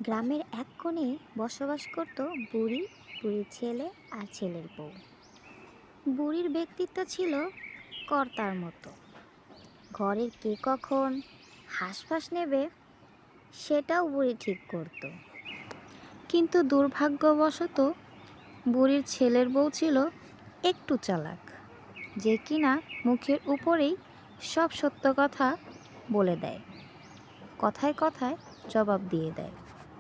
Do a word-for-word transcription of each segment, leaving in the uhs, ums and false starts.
গ্রামের এক কোণে বসবাস করত বুড়ি, বুড়ির ছেলে আর ছেলের বউ। বুড়ির ব্যক্তিত্ব ছিল কর্তার মতো। ঘরের কে কখন হাঁসফাঁস নেবে সেটাও বুড়ি ঠিক করত। কিন্তু দুর্ভাগ্যবশত বুড়ির ছেলের বউ ছিল একটু চালাক, যে কিনা মুখের উপরেই সব সত্য কথা বলে দেয়, কথায় কথায় জবাব দিয়ে দেয়।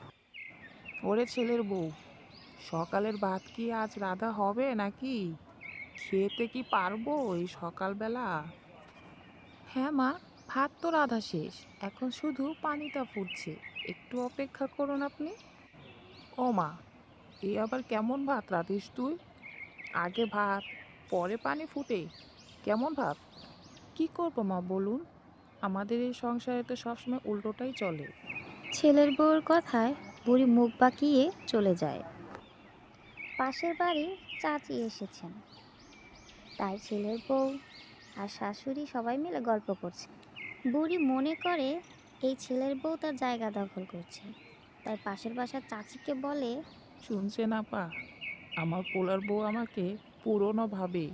ওরে ছেলের বউ, সকালের ভাত কি আজ রাধা হবে নাকি? খেতে কি পারবো এই সকালবেলা? হ্যাঁ মা, ভাত তো রাধা শেষ, এখন শুধু পানিটা ফুটছে, একটু অপেক্ষা করুন আপনি। ও মা, এই আবার কেমন ভাত রাঁধিস তুই? আগে ভাত, পরে পানি ফুটে, কেমন ভাব? কি করবো মা বলুন, আমাদের এই সংসারে তো সবসময় উল্টোটাই চলে। ছেলের বউয়ের কথায় বুড়ি মুখ বাঁকিয়ে চলে যায়। পাশের বাড়ির চাচি এসেছেন, তাই ছেলের বউ আর শাশুড়ি সবাই মিলে গল্প করছে। বুড়ি মনে করে এই ছেলের বউ তার জায়গা দখল করছে, তাই পাশের বাসার চাচিকে বলে, শুনছেন আপা, আমার পোলার বউ আমাকে পুরনো ভাবে।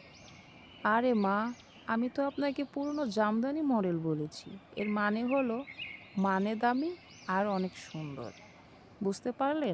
আরে মা, আমি তো আপনাকে পুরনো জামদানি মডেল বলেছি। এর মানে হলো মানে দামি আর অনেক সুন্দর। বুঝতে পারলেন?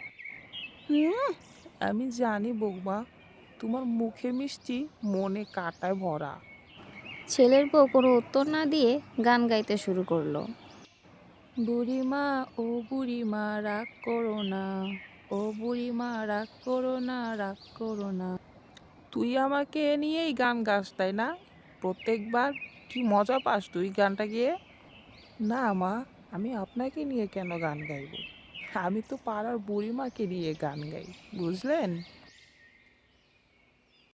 হুম, আমি জানি বৌমা, তোমার মুখে মিষ্টি, মনে কাটায় ভরা। ছেলের বউ কোনো উত্তর না দিয়ে গান গাইতে শুরু করলো। বুড়িমা, ও বুড়িমা রাগ করো না, ও বুড়িমা রাগ করো না, রাগ করো না। তুই আমাকে নিয়েই গান গাস তাই না? প্রত্যেকবার কি মজা পাস তুই গানটা গেয়ে? না মা, আমি আপনাকে নিয়ে কেন গান গাইবো? আমি তো পাড়ার বুড়িমাকে নিয়ে গান গাই, বুঝলেন?